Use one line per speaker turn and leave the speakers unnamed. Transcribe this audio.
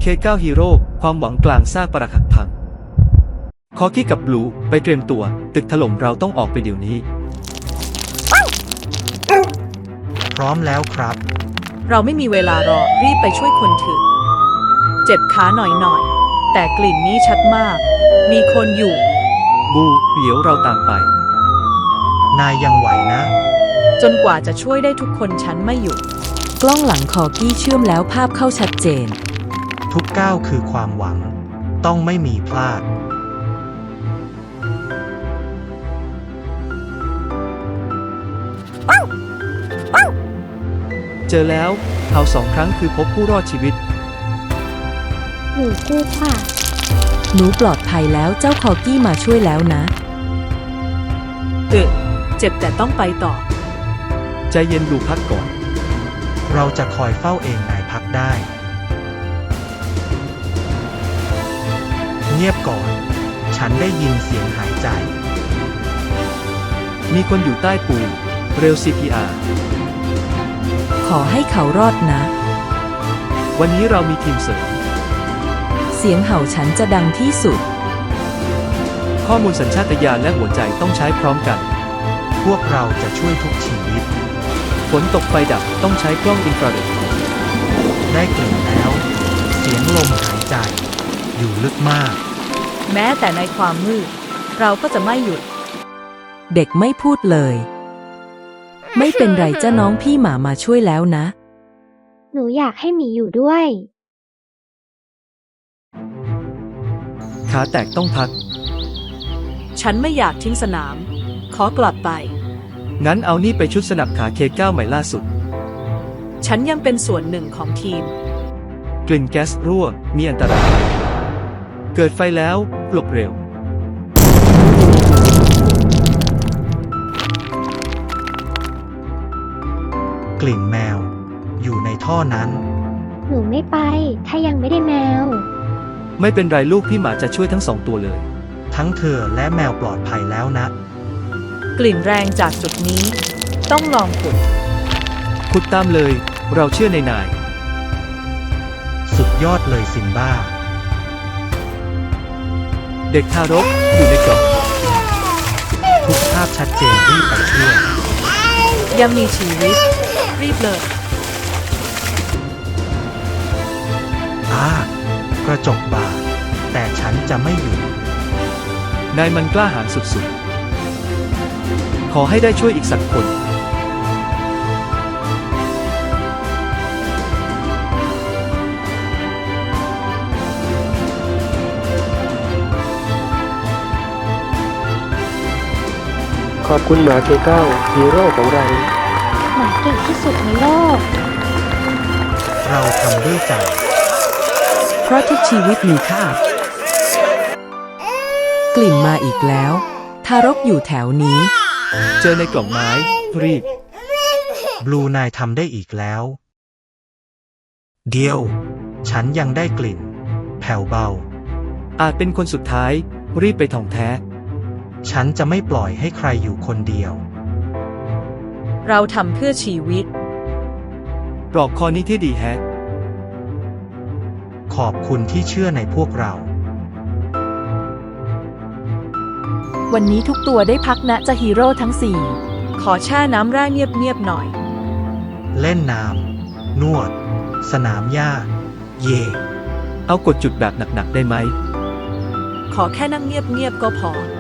K9 ฮีโร่ความหวังกลางซากปรักหักพังคอกี้กับบลูไปเตรียมตัวตึกถล่มเราต้องออกไปเดี๋ยวนี้
พร้อมแล้วครับ
เราไม่มีเวลารอรีบไปช่วยคนถือเจ็บขาหน่อยแต่กลิ่นนี้ชัดมาก มีคนอยู่
บูเดี๋ยวเราตามไป
นายยังไหวนะ
จนกว่าจะช่วยได้ทุกคนฉันไม่หยุด
กล้องหลังคอกี้เชื่อมแล้วภาพเข้าชัดเจน
ทุกก้าวคือความหวังต้องไม่มีพลาด
เจอแล้วเผา2 ครั้งคือพบผู้รอดชีวิต
หนูกู้ค่ะ
หนูปลอดภัยแล้วเจ้าคอกี้มาช่วยแล้วนะ
เจ็บแต่ต้องไปต่อ
ใจเย็นดูพักก่อน
เราจะคอยเฝ้าเองนายพักได้เงียบก่อนฉันได้ยินเสียงหายใจ
มีคนอยู่ใต้ปูเร็ว CPR
ขอให้เขารอดนะ
วันนี้เรามีทีมเสริม
เสียงเห่าฉันจะดังที่สุด
ข้อมูลสัญชาตญาณและหัวใจต้องใช้พร้อมกัน
พวกเราจะช่วยทุกชีวิต
ฝนตกไฟดับต้องใช้กล้องอินฟราเรด
ได้กลิ่นแล้วเสียงลมหายใจอยู่ลึกมาก
แม้แต่ในความมืดเราก็จะไม่หยุด
เด็กไม่พูดเลยไม่เป็นไรจ้าน้องพี่หมามาช่วยแล้วนะ
หนูอยากให้หมีอยู่ด้วย
ขาแตกต้องพัก
ฉันไม่อยากทิ้งสนามขอกลับไป
งั้นเอานี่ไปชุดสนับขา K9 ใหม่ล่าสุด
ฉันยังเป็นส่วนหนึ่งของทีม
กลิ่นแก๊สรั่วมีอันตรายเกิดไฟแล้วหลบเร็ว
กลิ่นแมวอยู่ในท่อนั้น
หนูไม่ไปถ้ายังไม่ได้แมว
ไม่เป็นไรลูกพี่หมาจะช่วยทั้ง2 ตัวเลย
ทั้งเธอและแมวปลอดภัยแล้วนะ
กลิ่นแรงจากจุดนี้ต้องลอง
ขุดตามเลยเราเชื่อในนาย
สุดยอดเลยซิมบ้า
เด็กทารกอยู่ในกล่อง
ทุกภาพชัดเจนรีบไปช่วย
ยังมีชีวิตรีบเลย
กระจกบาดแต่ฉันจะไม่หยุด
นายมันกล้าหาญสุดๆขอให้ได้ช่วยอีกสักคน
ขอบคุณหมาK9ฮีโร่ของเรา
หมาเก่งที่สุดในโลก
เราทำด้วยใจ
เพราะทุกชีวิตมีค่า กลิ่นมาอีกแล้วทารกอยู่แถวนี้
เจอในกล่องไม้รีบบ
ลูนายทำได้อีกแล้วเดียวฉันยังได้กลิ่นแผ่วเบา
อาจเป็นคนสุดท้ายรีบไปท่องแท้
ฉันจะไม่ปล่อยให้ใครอยู่คนเดียว
เราทำเพื่อชีวิต
ปลอกคอนี้ที่ดีแฮะ
ขอบคุณที่เชื่อในพวกเรา
วันนี้ทุกตัวได้พักนะจะฮีโร่ทั้ง
ขอแช่น้ำแร่เงียบๆหน่อย
เล่นน้ำนวดสนามหญ้าเย่
เอากดจุดแบบหนักๆได้ไหม
ขอแค่นั่งเงียบๆก็พอ